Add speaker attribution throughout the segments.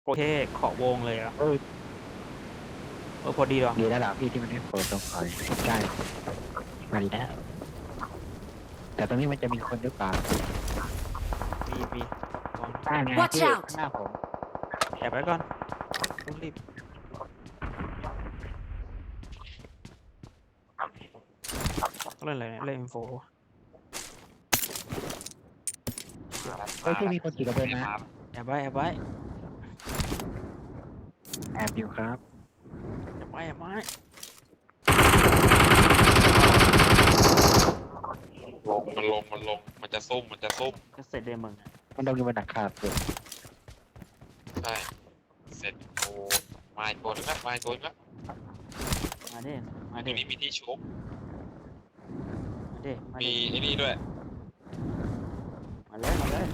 Speaker 1: โอเคขอวงเลยอ่ะ
Speaker 2: เออ
Speaker 1: พอดีหรอ
Speaker 2: ดีแล้วล่ะพี่ที่มันได้โผล่ตรงคอยใช่มาดีแล้วแต่ตรงนี้มันจะมีคนหรือเปล่า
Speaker 1: มีก่อน
Speaker 2: ได้ไง
Speaker 3: Watch
Speaker 2: พี่
Speaker 3: out
Speaker 2: ข้างหน้าผม
Speaker 1: แอบไว้ก่อนต้องรีบเล่นอะไรเนี่ยเล่นอินโฟ
Speaker 2: เฮ้ยพี่มีคนขี่กระเบนนะ
Speaker 1: แอบไว้แอบไว้
Speaker 2: แอบอยู่ครับ
Speaker 1: แอบไว้แอบไว้
Speaker 4: มันจะซุ่ม
Speaker 1: ก็เสร็จเลยมึงอะ
Speaker 2: มันต้องอยู่บนหลังคาเลย
Speaker 4: ใช่เสร็จโอ้มาอีกตัวนึงละ
Speaker 1: มาดิมา
Speaker 4: ตร
Speaker 1: ดิ
Speaker 4: งนี้มีที่ชุบ
Speaker 1: มาดิมา
Speaker 4: มี
Speaker 1: ดิ
Speaker 4: ไอ้นี่ด้วย
Speaker 1: มาเลยมาเลย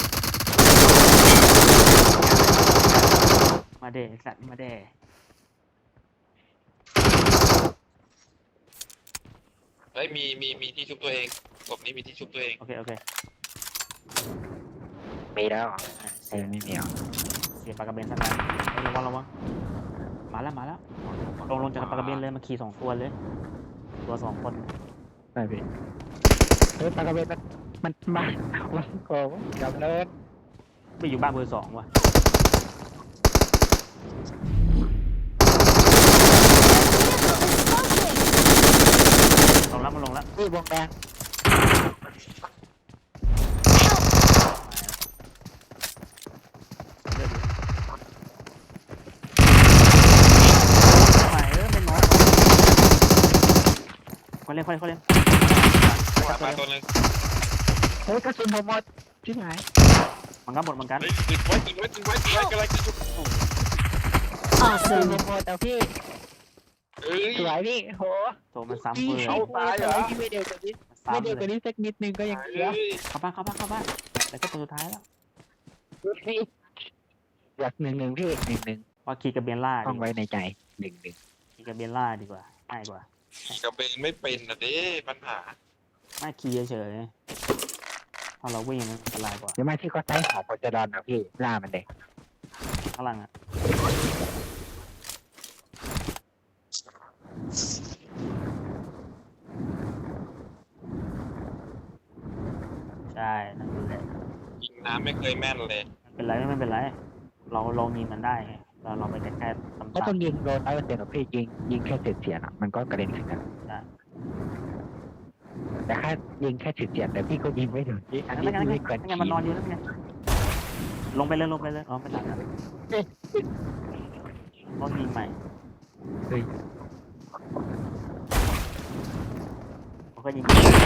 Speaker 1: มาเดสัตว์มาเด
Speaker 4: เฮ้ยมีที่ชุบตัวเองศพนี้มีที่ชุบตัวเอง
Speaker 1: โอเคโอเค
Speaker 2: มีแล้วไม่มีอ่ะ
Speaker 1: เสียปลากระเบนสักแล้วระวังมาแล้วลงจากปลากระเบนเลยมาขี่2 ตัวเลยตัว2 คน
Speaker 2: ได้พี่เฮ้ยปลากระเบนมันมาโกงจับเลย
Speaker 1: ไปอยู่บ้านเบอร์ 2ว่ะลงแล้วมันลงแล้ว
Speaker 2: พี่วงแดง
Speaker 1: เป็นน้อยคนเล่น
Speaker 4: มาตัวนึง
Speaker 2: เฮ้ยกระสุนผมหมดที่ไหน
Speaker 1: มันก็หมดเหมือนกัน
Speaker 4: เฮ้ยติดไว้กำลังจะชุบ
Speaker 2: กระสุน
Speaker 3: Awesome.
Speaker 2: ผมหมดแต่พี่
Speaker 4: เฮ้ย
Speaker 2: สวยพี่โห
Speaker 1: โตมันซ้ำ
Speaker 2: พี่
Speaker 1: เลย
Speaker 2: เข้าตายเหรอพี่ไม่เดียวกว่านี้ไม่
Speaker 1: ซ้ำ
Speaker 2: เดียวก
Speaker 1: เล
Speaker 2: ว่าย นี้สักนิดนึงก็ยังเหลือ
Speaker 1: เข้าบ้านแล้วก็ตัวสุดท้ายแล้ว
Speaker 2: พี่อยาก1-1พี่1-1
Speaker 1: ว่าขี่กับเบนล่า
Speaker 2: ต้อง
Speaker 1: ดี
Speaker 2: ไว้ในใจ1-1
Speaker 1: ขี่กับเบนล่าดีกว่าง่ายกว่า
Speaker 4: ขี่กระเบนไม่เป็นนะเด้ปัญหา
Speaker 1: ไม่ขี่เฉยๆพอเราวิ่งมันอันตรายกว่า
Speaker 2: เดี๋ยวมาที่ก็ใช้หอมโพจดอนนะพี่ล่ามันเด็ก
Speaker 1: ข้างหลังอ่ะใช่นั่นแหละ
Speaker 4: ยิงน้ำไม่เคยแม่นเลย
Speaker 1: ไม่เป็นไรเราลองยิงมันได้ไงเราไปแค่ตำ
Speaker 2: ไม่ต้องยิงโดน100%หรอกพี่ยิงแค่เฉียดๆอ่ะมันก็กระเด็นขึ้นกันแต่แค่ยิงแค่เฉียดๆแต่พี่ก็ยิงไม่ถึงพี่อันนี้
Speaker 1: ไม่งั้น
Speaker 2: ไม่เกิน
Speaker 1: มันนอนอยู่นั่นไงลงไปเลยอ๋อไม่หลังลองยิงใหม่
Speaker 2: เฮ้ย
Speaker 1: ผมก็ยิง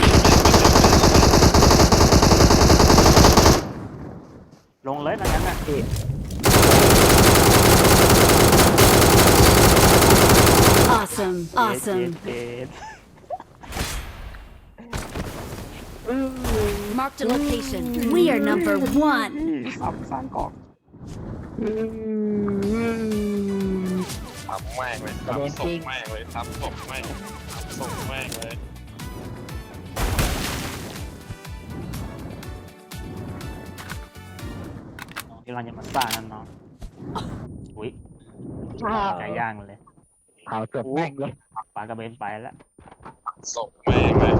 Speaker 1: ลงเลยงั้นน่ะ
Speaker 2: พี่
Speaker 3: Awesome. Awesome.
Speaker 1: เจ็ด
Speaker 3: Marked a location. We are number one.
Speaker 1: สร้างกอก
Speaker 4: ทำแม่งเลยทำศพแม่งเลยทำศพแม่งเลย
Speaker 1: ที่เราจะมาสร้างนั่นเนาะอุ้ยไก่ย่างเลย
Speaker 2: เผาศพแม่งเลย
Speaker 1: ปลากระเบนไปแล้ว
Speaker 4: ศพแม่งเลย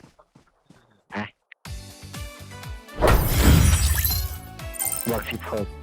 Speaker 2: บวก16